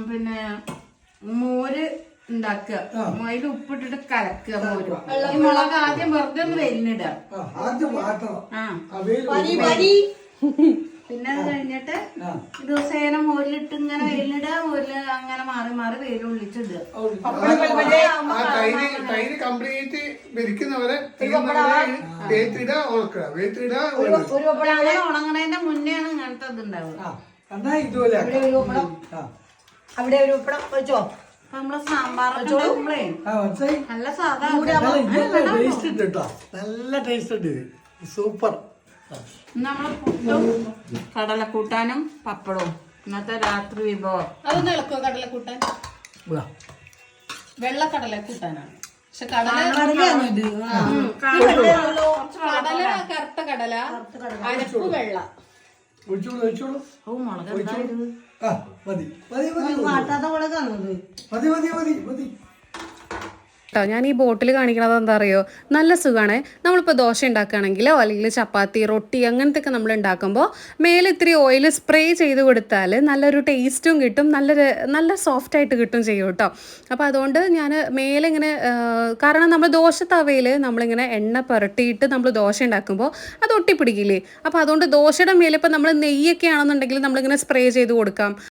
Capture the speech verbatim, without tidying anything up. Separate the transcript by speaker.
Speaker 1: പിന്നെ മോര് ഉണ്ടാക്കുക, അതിൽ ഉപ്പിട്ടിട്ട് കലക്കുക മോര്. ഈ മുളക് ആദ്യം വെറുതെ ഒന്ന് വെല്ലിടുക. പിന്നെ അത് കഴിഞ്ഞിട്ട് ദിവസേന മോരിലിട്ട് ഇങ്ങനെ വെയിലിടുക, മോരില് അങ്ങനെ മാറി മാറി വെയിലുള്ളിച്ചിടുക.
Speaker 2: കംപ്ലീറ്റ് വിരിക്കുന്നവരെ
Speaker 1: ഉണങ്ങണതിന്റെ മുന്നെയാണ് ഇങ്ങനത്തെ ഇത് ഉണ്ടാവുക.
Speaker 3: അവിടെ ഒരു ഉപ്പടം വെച്ചോ.
Speaker 1: നമ്മള് സാമ്പാറൊക്കെ നല്ല സാധാ
Speaker 2: നല്ല ടേസ്റ്റ് ഉണ്ട്, സൂപ്പർ.
Speaker 1: നമ്മള് പുട്ടും കടലക്കൂട്ടാനും പപ്പടവും ഇന്നത്തെ രാത്രി വിഭവം.
Speaker 4: അതൊന്ന് ഇളക്കോ കടലക്കൂട്ടാൻ? വെള്ള കടലക്കൂട്ടാനാണ്. പക്ഷെ കടല കടല കറുത്ത കടല, അരപ്പ് വെള്ള.
Speaker 5: കേട്ടോ ഞാൻ ഈ ബോട്ടിൽ കാണിക്കണത് എന്താ അറിയോ, നല്ല സുഖമാണ്. നമ്മളിപ്പോൾ ദോശ ഉണ്ടാക്കുകയാണെങ്കിലോ അല്ലെങ്കിൽ ചപ്പാത്തി റൊട്ടി അങ്ങനത്തെ ഒക്കെ നമ്മൾ ഉണ്ടാക്കുമ്പോൾ മേലെ ഇത്തിരി ഓയിൽ സ്പ്രേ ചെയ്ത് കൊടുത്താൽ നല്ലൊരു ടേസ്റ്റും കിട്ടും, നല്ലൊരു നല്ല സോഫ്റ്റായിട്ട് കിട്ടും ചെയ്യും കേട്ടോ. അപ്പോൾ അതുകൊണ്ട് ഞാൻ മേലെ ഇങ്ങനെ, കാരണം നമ്മൾ ദോശ തവയിൽ നമ്മളിങ്ങനെ എണ്ണ പുരട്ടിയിട്ട് നമ്മൾ ദോശ ഉണ്ടാക്കുമ്പോൾ അത് ഒട്ടിപ്പിടിക്കില്ലേ. അപ്പോൾ അതുകൊണ്ട് ദോശയുടെ മേലെ ഇപ്പോൾ നമ്മൾ നെയ്യൊക്കെ ആണെന്നുണ്ടെങ്കിൽ നമ്മളിങ്ങനെ സ്പ്രേ ചെയ്ത് കൊടുക്കാം.